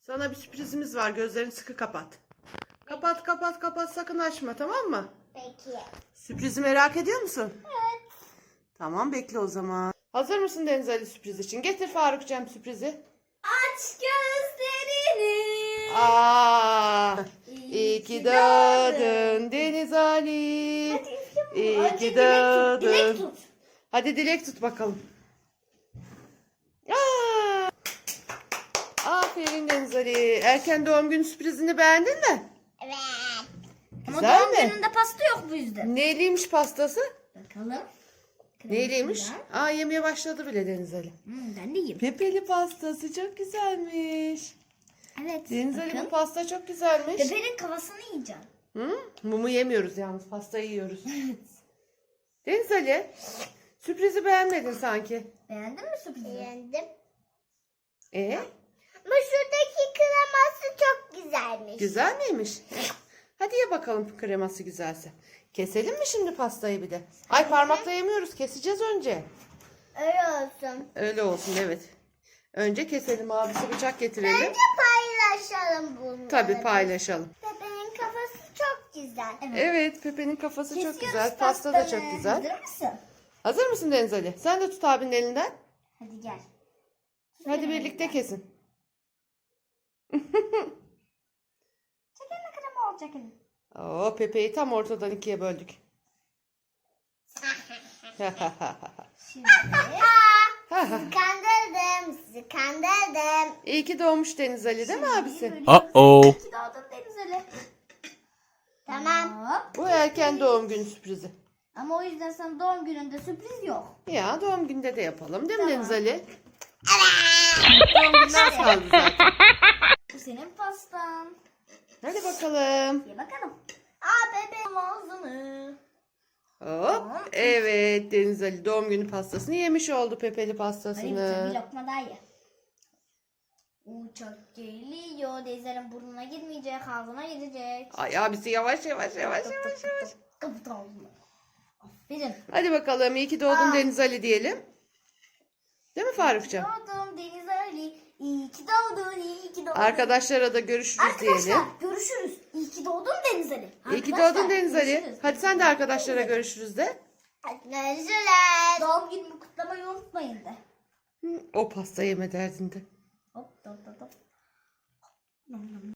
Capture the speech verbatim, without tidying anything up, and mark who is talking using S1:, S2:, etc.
S1: Sana bir sürprizimiz var. Gözlerini sıkı kapat. Kapat kapat kapat, sakın açma, tamam mı?
S2: Peki.
S1: Sürprizi merak ediyor musun?
S2: Evet.
S1: Tamam, bekle o zaman. Hazır mısın Deniz Ali sürpriz için? Getir Farukcığım sürprizi.
S2: Aç gözlerini.
S1: Aa, iyi ki doğdun Deniz Ali.
S2: Hadi
S1: İyi
S2: Önce
S1: ki
S2: dilek tut. Dilek
S1: doğdun.
S2: tut.
S1: Hadi dilek tut bakalım. Aa, aferin Deniz Ali. Erken doğum günü sürprizini beğendin mi?
S2: Evet.
S1: Güzel
S2: Ama doğum
S1: mi?
S2: gününde pasta yok bu yüzden.
S1: Neyliymiş pastası?
S2: Bakalım.
S1: Neyliymiş?
S2: Kremsinden.
S1: Aa, yemeye başladı bile Deniz Ali.
S2: Hmm, ben de yiyeyim.
S1: Pepeli pastası çok güzelmiş.
S2: Evet.
S1: Deniz Ali, bu
S2: bakın.
S1: pasta çok güzelmiş.
S2: Bebeğin kafasını yiyeceğim.
S1: Hı? Mumu yemiyoruz yalnız, pastayı yiyoruz. Deniz Ali, sürprizi beğenmedin sanki.
S2: Beğendin mi sürprizi? Beğendim.
S1: E,
S2: Ama şuradaki kreması çok güzelmiş.
S1: güzel miymiş? Hadi ye bakalım, kreması güzelse. Keselim mi şimdi pastayı bir de? Ay, parmakla yemiyoruz, keseceğiz önce.
S2: Öyle olsun.
S1: Öyle olsun, evet. Önce keselim, abisi bıçak getirelim.
S2: Bence paylaşalım bunları.
S1: Tabii paylaşalım.
S2: Bebeğin kafası çok güzel. Evet.
S1: Evet, Pepe'nin kafası çok
S2: Kesiyoruz
S1: güzel, pasta da
S2: pastanı.
S1: çok güzel.
S2: Hazır mısın?
S1: Hazır mısın Deniz Ali? Sen de tut abinin elinden.
S2: Hadi gel.
S1: Hadi birlikte kesin.
S2: Çekelim krema olacak elim.
S1: Oo, Pepe'yi tam ortadan ikiye böldük.
S2: Şimdi. Sizi kandırdım. Sizi kandırdım.
S1: İyi ki doğmuş Deniz Ali, değil mi abisi?
S3: Uh-oh.
S2: İyi ki doğdun Deniz Ali. Tamam. Hop.
S1: Bu erken doğum günü sürprizi.
S2: Ama o yüzden sana doğum gününde sürpriz yok.
S1: Ya doğum günde de yapalım, değil mi
S2: Tamam.
S1: Deniz Ali? Evet. Doğum gününe az kaldı zaten.
S2: Bu senin pastan.
S1: Hadi bakalım.
S2: Ye bakalım. Aa bebeğim ağzını.
S1: Hop. Evet, Deniz Ali doğum günü pastasını yemiş oldu, Pepeli
S2: Hadi bir
S1: pastasını.
S2: lokma daha ye. Uçak geliyor. Denizlerin burnuna girmeyecek. Ağzına gidecek.
S1: Ay abisi, yavaş yavaş yavaş yavaş yavaş.
S2: Kapı ağzına. Aferin.
S1: Hadi bakalım, iyi ki doğdun
S2: Aa.
S1: Deniz Ali diyelim. Değil mi Farukcuğum?
S2: Doğdum Deniz Ali. İyi ki doğdun. İyi ki doğdun.
S1: Arkadaşlara da görüşürüz
S2: Arkadaşlar
S1: diyelim.
S2: görüşürüz. İyi ki doğdun Deniz Ali.
S1: İyi ki
S2: Arkadaşlar,
S1: doğdun Deniz Ali.
S2: görüşürüz.
S1: Hadi sen de arkadaşlara görüşürüz de.
S2: Görüşürüz. Doğum günümü kutlamayı unutmayın de.
S1: O pasta yeme derdinde.
S2: Hop hop hop hop.